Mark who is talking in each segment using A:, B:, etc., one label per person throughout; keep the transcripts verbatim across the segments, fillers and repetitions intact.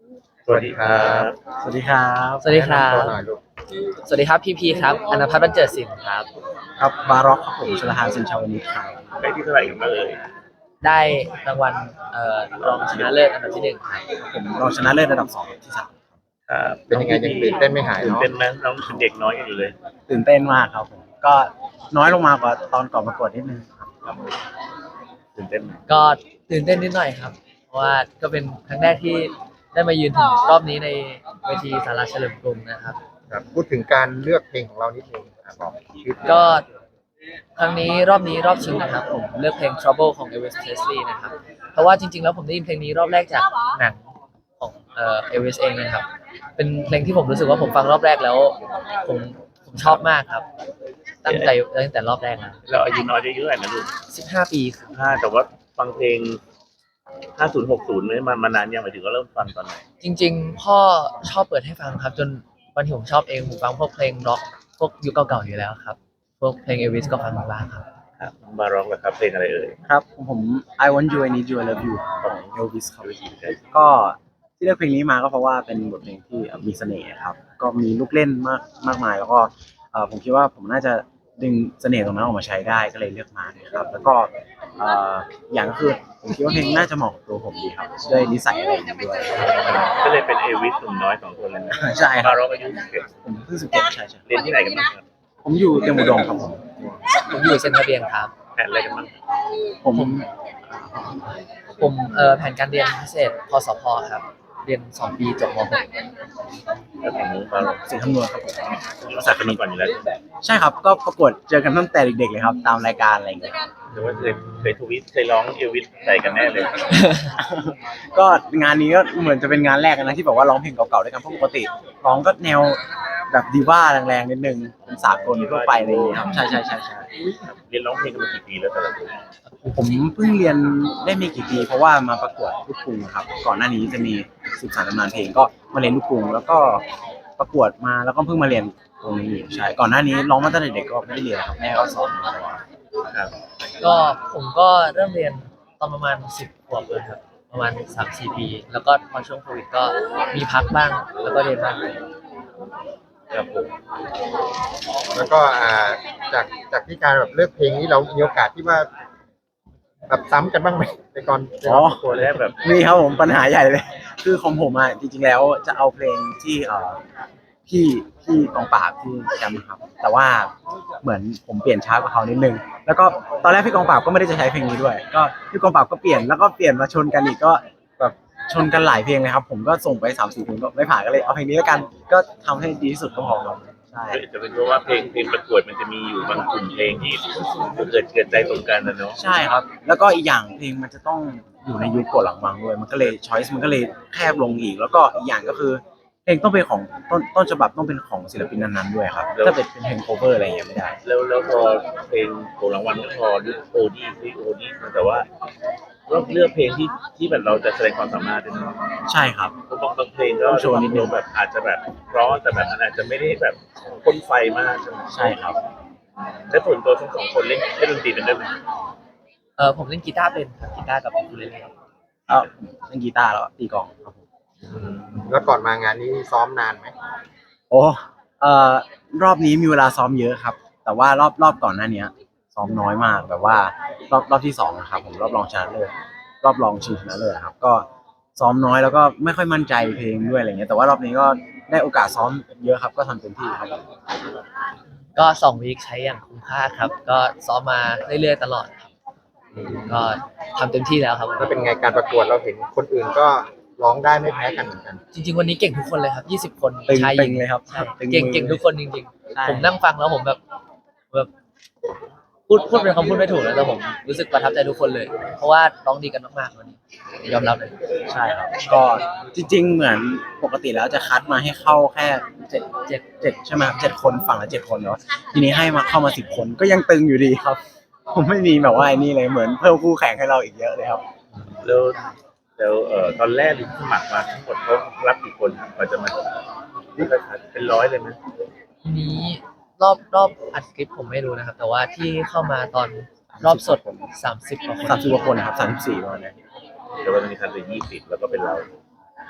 A: สวัสดีครับ
B: สวัสดีครับ
C: สวัสดีครับ
A: แนะนำตัวหน่อยลูก
C: สวัสดีครับพีพีครับอนันทพัฒน์บรรเจิดศิลป์ครับ
B: ครับบาร็อกครับผมชลทานสินชาวนิชครับ
A: ได้ที่เท่าไหร่กันบ้างเอ่ย
C: ได้รางวัลเอ่อรองชนะเลิศอันดับที่หนึ่งครับ
B: ผมรองชนะเลิศระดับสองที่สาม
A: ครับ
D: เป็นยังไงยังตื่นเต้นไม่หาย
A: ตื่น
D: เนาะ
A: เต้นไหมน้องเป็นเด็กน้อยกันอยู่เลย
B: ตื่นเต้นมากครับผมก็น้อยลงมากว่าตอนก่อนประกวดนิดนึงครับ
A: ครับตื่นเต้นไหม
C: ก็ตื่นเต้นนิดหน่อยครับ เพราะว่าก็เป็นครั้งแรกที่ได้มายืนถึงรอบนี้ในเวทีสาราเฉลิมกรุงนะครับ
D: ครับพูดถึงการเลือกเพลงของเรานิดนึงอ่ะบอกชื่อเพลง
C: ก็ครั้งนี้รอบนี้รอบชิงนะครับผมเลือกเพลง Trouble ของ Elvis Presley นะครับเพราะว่าจริงๆแล้วผมได้ยินเพลงนี้รอบแรกจากหนังของเอ่อ Elvis เองนะครับเป็นเพลงที่ผมรู้สึกว่าผมฟังรอบแรกแล้วผมผมชอบมากครับ ตั้งใจตั้งแต่รอบแรกนะ
A: เราอายุน้อยเยอะๆนะลูก
C: สิบห้าปีครับ
A: ห้าแต่ว่าฟังเพลงห้าศูนย์หกศูนย์นี่มันมานานยังหมายถึงว่าเริ่มฟังตอนไหน
C: จริงๆพ่อชอบเปิดให้ฟังครับ จนวันที่ผมชอบเองผมฟังพวกเพลงร็อกพวกยุคเก่าๆอยู่แล้วครับพวกเพลง Elvis ก็ฟังบ้างครับ
A: ครับมาร้องกับครับเพลงอะไรเอ่ย
B: ครับผม I Want You I Need You I Love You ของ Elvis ครับก็ที่เลือกเพลงนี้มาก็เพราะว่าเป็นบทเพลงที่มีเสน่ห์ครับก็มีลูกเล่นมากมากมายแล้วก็เอ่อผมคิดว่าผมน่าจะดึงเสน่ห์ตรงนั้นออกมาใช้ได้ก็เลยเลือกมานะครับแล้วก็เอ่ออย่างก็คือผมคิดว่าเพลงน่าจะเหมาะกับตัวผมดีครับด้วยนิสัยอะไรอย่างนี้ด้วย
A: ก็เลยเป็นเอวิสหนุ่มน้อยสองคนเลยนะ
B: ใช่ครั
A: มา
B: บ
A: ร้องอายุสิบเอ็ด
B: ผมเพิ่งสิบเจ็ดใช่ใช่
A: เรียนที่ไหนกันบ้างครับ
B: ผมอยู่เตรียมอุดมครับผม
C: ผมอยู่เซนทรัลเบียนครับ
A: แผนอะไรกันบ้าง
B: ผม
C: ผมเอ่อแผนการเรียนพิเศษพสพครับ เรียนสองปีจบม .หก
A: แล้วของนู้นมาร้อง
B: เสียงคำนวณครับผม
A: ภาษาคณิตก่อนอยู่แล้ว
B: ใช่ครับก็ประกวดเจอกันตั้งแต่เด็กๆเลยครับ ตามรายการอะไรอย่างเงี้ย
A: หรือว่าเคยเคยทวิตเคยร้องเอวิสใส่กันแน่เลย
B: ก็งานนี้ก็เหมือนจะเป็นงานแรกนะที่แบบว่าร้องเพลงเก่าๆด้วยกันเพราะปกติร้องก็แนวแบบดีว่าแรงๆนิดนึงเป็นสากลทั่วไปอะไรอย่างเงี้ยครับใช่ใช่ใช่ใช่
A: เรียนร้องเพลงกันมากี่ปีแล้วแต่ละคน
B: ผมเพิ่งเรียนได้ไม่กี่ปีเพราะว่ามาประกวดลูกกรุงครับก่อนหน้านี้จะมีสิบสามตำนานเพลงก็มาเรียนลูกกรุงแล้วก็ประกวดมาแล้วก็เพิ่งมาเรียนตรงนี้ใช่ก่อนหน้านี้ร้องมาตั้งแต่เด็กก็ไม่ได้เรียนครับแม่ก็สอนมาตลอด
A: ครับ
C: ก็ผมก็เริ่มเรียนตอนประมาณสิบขวบเลยครับ ประมาณสามสี่ปี แล้วก็พอช่วงโควิดก็มีพักบ้าง แล้วก็เรียนบ้าง
A: ครับผม
D: แล้วก็อ่าจากจากที่การแบบเลือกเพลงนี้เรามีโอกาสที่ว่าแบบซ้ำกันบ้างไหมในก่อนใน
B: อ๋อ
D: รอบตัว
A: ตัว
D: แร
A: แร
D: ก
A: กแบบ
B: นี่ครับผมปัญหาใหญ่เลย คือของผมอ่ะจริงๆแล้วจะเอาเพลงที่เอ่อพี่พี่กองปราบที่แชมป์ครับ แต่ว่าเหมือนผมเปลี่ยนช้ากว่าเขานิดนึง แล้วก็ตอนแรกพี่กองปราบก็ไม่ได้จะใช้เพลงนี้ด้วย ก็พี่กองปราบก็เปลี่ยนแล้วก็เปลี่ยนมาชนกันอีกก็แบบชนกันหลายเพลงเลยครับ ผมก็ส่งไปสามสี่เพลงก็ไม่ผ่านก็เลยเอาเพลงนี้แล้วกัน ก็ทำให้ดีที่สุดก็พอครับใช่
A: จะเป็นเพราะว่าเพลงเพลงประกวดมันจะมีอยู่บางกลุ่มเพลงที่เกิดเกิดใจตรงกันนะเนาะ
B: ใช่ครับ แล้วก็อีกอย่างเพลงมันจะต้องอยู่ในยุคกดหลังวังด้วย มันก็เลยช้อยส์มันก็เลยแคบลงอีก แล้วก็อีกอย่างก็คือเพลงต้องเป็นของต้นต้นฉบับต้องเป็นของศิลปินนั้นๆด้วยครับ ถ้าเป็นเป็นเพลงโคเวอร์อะไรอย่างเงี้ยไม่ได้
A: แล้วแล้วพอเพลงโกรางวัลก็พอเลือกโอดี้ที่โอดี้แต่ว่าเราเลือกเพลงที่ที่แบบเราจะแสดงความสามารถด้วยเนาะ
B: ใช่ครับ
A: บางบางเพลงก็
B: ต้องโชว์นิดนึง
A: แบบอาจจะแบบเพราะแต่แบบมันอาจจะไม่ได้แบบพ่นไฟมากใช่ไหม
B: ใช่ครับ
A: แล้วส่วนตัวทั้งสองคนเล่นเล่นดนตรีเป็นด้วยไหม
C: เออผมเล่นกีตาร์เป็นครับกีตาร์กับอูคูเลเล่
B: เอ้าเล่นกีตาร์แล้วก็ตีกลองครับผม
D: แล้วก่อนมางานนี้ซ้อมนานไหม
B: โอ้เอ่อรอบนี้มีเวลาซ้อมเยอะครับ แต่ว่ารอบรอบก่อนหน้านี้ซ้อมน้อยมากแบบว่ารอบรอบที่สองนะครับผมรอบรองชนะเลิศรอบรองชิงชนะเลิศครับ ก็ซ้อมน้อยแล้วก็ไม่ค่อยมั่นใจเพลงด้วยอะไรเงี้ยแต่ว่ารอบนี้ก็ได้โอกาสซ้อมเยอะครับก็ทำเต็มที่ครับ
C: ก็สองวีคใช้อย่างคุ้มค่าครับ ก็ซ้อมมาเรื่อยๆตลอดครับ ก็ทำเต็มที่แล้วครับ
D: แล้วเป็นไงการประกวดเราเห็นคนอื่นก็ร้องได้ไม่แพ้กันเหมือนกัน
C: จริงๆวันนี้เก่งทุกคนเลยครับยี่สิบคน
B: ตึง
C: ชายห
B: ตึ
C: ญิ
B: ง
C: ง
B: เลยครับ
C: ใช่
B: ตึง
C: เก่ง
B: มือ
C: เก่งทุกคนจริง
B: ใช่
C: ๆ ผมนั่งฟังแล้วผมแบบแบบพูดพูดเป็นคำพูดไม่ถูกนะแต่ผมรู้สึกประทับใจทุกคนเลย เพราะว่าร้องดีกันมากๆวันนี้ยอมรับเลย
B: ใช่ครับ ก็จริงๆเหมือนปกติแล้วจะคัดมาให้เข้าแค่เจ็ดเจ็ดเจ็ดใช่ไหมครับเจ็ดคนฝั่งละเจ็ดคนเนาะทีนี้ให้มาเข้ามาสิบคนก็ยังตึงอยู่ดีครับ ผมไม่มีแบบว่าไอ้นี่เลยเหมือนเพิ่มคู่แข่งให้เราอีกเยอะเลยครับ
A: แล้วแล้วเอ่อตอนแรกที่สมัครมาทั้งหมดเขารับกี่คนครับกว่าจะมาเป็นร้อยเลยไหม
C: ทีนี้รอบรอบอัดคลิปผมไม่รู้นะครับ แต่ว่าที่เข้ามาตอนรอบสดสามสิบกว่าคน
B: สามสิบกว่าคนนะครับสามสิบสี่ประมาณนี้
A: แต่ว่าตอนนี้คันเหลือยี่สิบแล้วก็เป็นเรา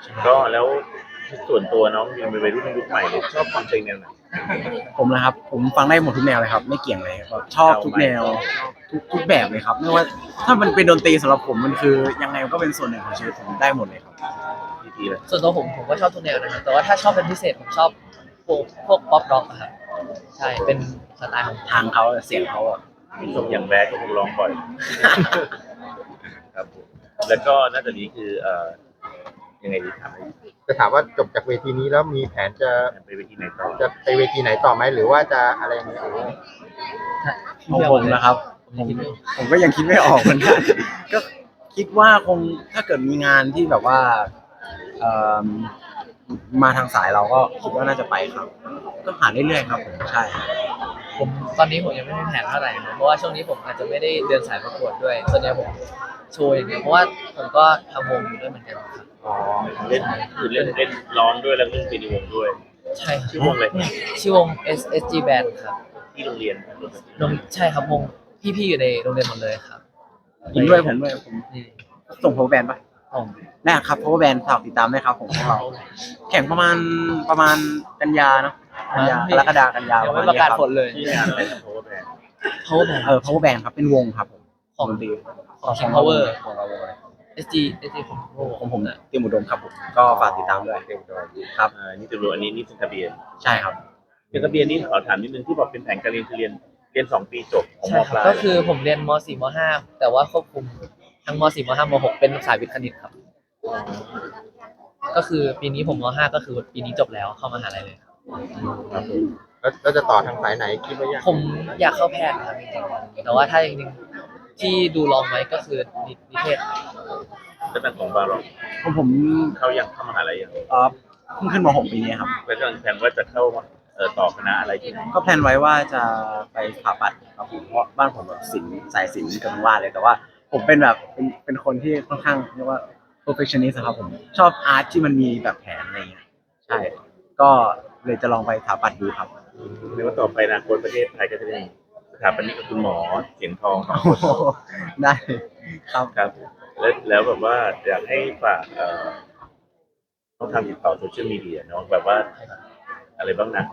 A: ก็แล้วส่วนตัวน้องยังเป็นวัยรุ่นยุคใหม่เลยชอบฟังเพลงแนวไหน
B: ผมนะครับผมฟังได้หมดทุกแนวเลยครับไม่เกี่ยงเลยแบบชอบทุกแนวทุกทุกแบบเลยครับไม่ว่าถ้ามันเป็นดนตรีสำหรับผมมันคือยังไงมันก็เป็นส่วนหนึ่งของชีวิตผมได้หมดเลยครับ
A: ทีทีเลย
C: ส่วนตัวผมผมก็ชอบทุกแนวนะครับแต่ว่าถ้าชอบเป็นพิเศษผมชอบพวกพวกป๊อปร็อกครับใช่เป็นสไตล์ของ
B: ทางเขาเสียงเขาอะ
A: มีสมอย่างแบดก็คงร้องบ่อยครับผมแล้วก็นอกจากนี้คือเอ่อยังไงดีถามให้
D: จะถามว่าจบจากเวทีนี้แล้วมีแผนจะ
A: ไปเวทีไหนต่อ
D: จะไปเวทีไหนต่อไหมหรือว่าจะอะไรอย่างเงี้ย
B: ของผมนะครับผมผมก็ยังคิดไม่ออกเหมือนกันก็คิดว่าคงถ้าเกิดมีงานที่แบบว่าเอ่อมาทางสายเราก็คิดว่าน่าจะไปครับ ก็หาเรื่อยๆครับผมใช่
C: ผมตอนนี้ผมยังไม่มีแผนเท่าไหร่นะเพราะว่าช่วงนี้ผมอาจจะไม่ได้เดินสายประกวดด้วยส่วนใหญ่ผมโชว์อย่างเดียวเพราะว่าผมก็ทำวงอยู่ด้วยเหมือนกันครับ
A: อ๋อเล่นคือเล่นเล่นร้องด้วยแล้วเล่นเป็นวงด้วย
C: ใช่ครับ
A: ชื่อวงอะไร
C: ชื่อวง เอส เอส จี Band ครับ
A: ที่โรงเรียน
C: โรงใช่ครับวงพี่ๆอยู่ในโรงเรียนหมดเลยครับ
B: ผมด้วยผมด้วยผม
C: นี่
B: ส่ง power band ปะ
C: ผม
B: นะครับ power band ฝากติดตามด้วยครับผมพวกเราแข่งประมาณประมาณกันยาเนาะกันยากรกฎากันยา
C: ยัง
B: ประ
C: ไม่
B: มาณ
C: ประกาศ
B: นี้ค
C: ผ
B: รับ
C: ลเลย
A: ที่งานอะไรนะโพสแบน
C: Power Band
B: เออ power band ครับเป็นวงครับผม
C: ของ
B: ดนตรี
C: ของ King Power
B: ของเราวงเลย
C: เอส จี เอส จี ของ
B: ของผมเนี่ยเตรียมอุดมครับผมก็ฝากติดตามด้วย
D: เต็มดอย
B: ครับ
A: อ่านี่จะรู้อันนี้นี่เป็นทะเบียน
B: ใช่ครับ
A: เป็นทะเบียนนี่ขอถามนิดนึงที่บอกเป็นแผนการเรียนคือเรียนเรียนสองปีจบของ
C: ใช่
A: ม
C: ค
A: ป
C: รับ
A: ลาย
C: ก็คือผมเรียนม .สี่ ม .ห้า แต่ว่าควบคุมทั้งม .สี่ ม .ห้า ม .หก เป็นสายวิทย์คณิตครับ ก็คือปีนี้ผมม .ห้า ก็คือปีนี้จบแล้วเข้ามหาลัยเลยครับ
A: ครับผม
D: แล้วแล้วจะต่อทางสายไหนคิดว่ายัง
C: ผมอยากเข้าแพทย์ครับจริงๆแต่ว่าถ้าจริงๆที่ดูลองไว้ก็คือนินิเทศ
A: แล้วตั้งของบาร์หรอก
B: ของผม
A: เขายังเข้ามหาลัยยัง
B: เอ่อเพิ่งขึ้นม .หก ปีนี้ครับ
A: แล้วก็แผนว่าจะเข้าเอ่อต่อคณะอะไรที่ไหน
B: ก็แพลนไว้ว่าจะไปสถาปัตย์ครับผมเพราะบ้านผมแบบศิลป์สายศิลป์กับทั้งว่าเลยแต่ว่าผมเป็นแบบเป็นเป็นคนที่ค่อนข้างเรียกว่า perfectionist ครับผมชอบอาร์ตที่มันมีแบบแผนอะไรเงี้ยใช่ ก็เลยจะลองไปสถาปัตย์ดูครับ
A: เรียกว่าต่อไปอนะคนประเทศไทยก็จะได้สถาปนิกกับคุณหมอเสียงทองสองคน
B: ได้ครับ
A: ครับแล้วแล้วแบบว่าอยากให้ฝากเอ่อต้องทำติดต่อโซเชียลมีเดียเนาะแบบว่าอะไรบ้างนะ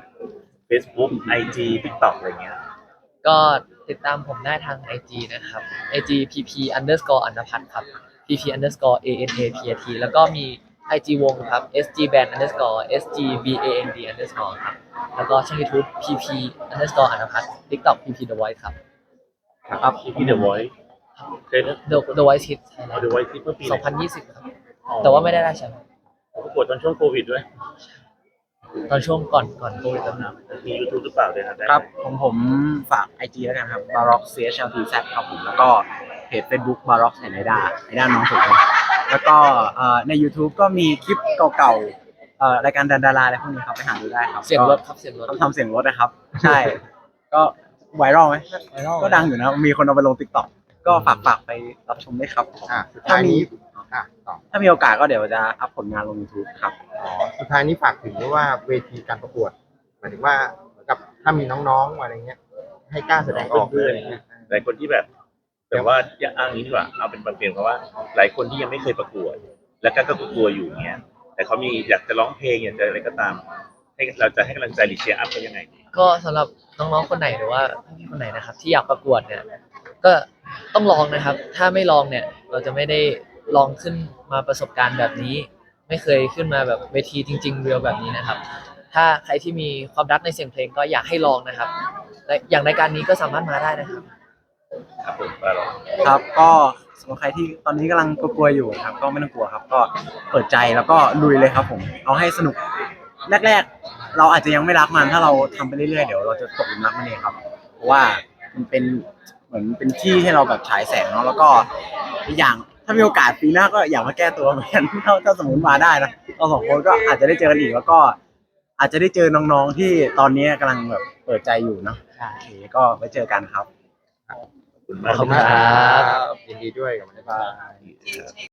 A: Facebook ไอ จี TikTok อะไรเงี้ย
C: ก็ติดตามผมได้ทาง ไอ จี นะครับ ไอ จี พี พี underscore อันพัฒน์ครับ พี พี underscore เอ เอ็น เอ พี ที แล้วก็มี ไอ จี วงครับ เอส จี band underscore เอส จี บี เอ เอ็น ดี underscore ครับ แล้วก็ช่อง YouTube พี พี underscore อันพัฒน์ TikTok พี พี The Voice ครับ
B: ครับ
A: พี่ The Voice เคยนะ
C: The The Voice Hit
A: เอา The Voice ที่เมื่อปีไห
C: สองพันยี่สิบครับ แต่ว่าไม่ได้ได้แชมป์
A: ประกวดตอนช่วงโควิดด้วย
C: ตอนช่วงก่อนก่อนโควิดแล้วนะ
A: มี YouTube หรือเปล่าเลยนะได้
B: ครับของผมฝาก ไอ จี แล้วกันครับ baroque ซี เอช แอล ที แซด ครับผมแล้วก็เพจ Facebook baroque ไนด้าไนด้าน้องผมครับแล้วก็เอ่อใน YouTube ก็มีคลิปเก่าๆเอ่อรายการดันดาราอะไรพวกนี้ครับไปหาดูได้ครับ
C: เสียงรถครับเสียงรถ
B: ต้องทำเสียงรถนะครับ ใช่ ก็ไวรัลไหม
C: ไวรัล
B: ก็ดังอยู่นะ มีคนเอาไปลง TikTok ก็ฝากฝากไปรับชมด้วยครับ
D: อ่ะสุดท้ายนี้อ่ะต่อ
B: ถ้ามีโอกาสก็เดี๋ยวจะอัพผลงานลง YouTube ครับ
D: อ๋อสุดท้ายนี้ฝากถึงด้วยว่าเวทีการประกวดหมายถึงว่าเหมือนกับถ้ามีน้องๆอะไรเงี้ย ให้กล้าแสดงออกเลยอะไรเงี้ย
A: หลายคนที่แบบแบบว่าอย่าอ้างนี้ดีกว่าเอาเป็นประเด็นเพราะว่า หลายคนที่ยังไม่เคยประกวด แล้วก็ก็กลัวอยู่เงี้ยแต่เขามีอยากจะร้องเพลงอยากจะอะไรก็ตาม ให้เราจะให้กำลังใจหรือเชียร์อัพเขายังไงดี
C: ก็สำหรับน้องๆคนไหนหรือว่าพี่ๆคนไหนนะครับ ที่อยากประกวดเนี่ยก็ต้องลองนะครับ ถ้าไม่ลองเนี่ย เราจะไม่ได้ลองขึ้นมาประสบการณ์แบบนี้ ไม่เคยขึ้นมาแบบเวทีจริงๆเรียลแบบนี้นะครับ ถ้าใครที่มีความรักในเสียงเพลงก็อยากให้ลองนะครับและอย่างรายการนี้ก็สามารถมาได้นะครับ
A: ครับผมบาร์หรอก
B: ครับก็สำหรับใครที่ตอนนี้กำลังกลัวๆอยู่นะครับ ก็ไม่ต้องกลัวครับ ก็เปิดใจแล้วก็ลุยเลยครับผม เอาให้สนุกแรกๆ เราอาจจะยังไม่รักมันถ้าเราทำไปเรื่อยๆเดี๋ยวเราจะตกหลุมรักมันเองครับ เพราะว่ามันเป็นเหมือนเป็นที่ให้เราแบบฉายแสงเนาะแล้วก็อีกอย่างถ้ามีโอกาสปีหน้าก็อยากมาแก้ตัวเหมือนกัน ถ้าถ้าสมมติมาได้นะเราสองคนก็อาจจะได้เจอกันอีกแล้วก็ อาจจะได้เจอน้องๆที่ตอนนี้กำลังแบบเปิดใจอยู่เนาะโอเคก็ไว้เจอกันครับ
A: ขอบคุณมาก
C: ขอบคุณครับ
D: ยินดีด้วยกับมัน
B: บ๊ายบาย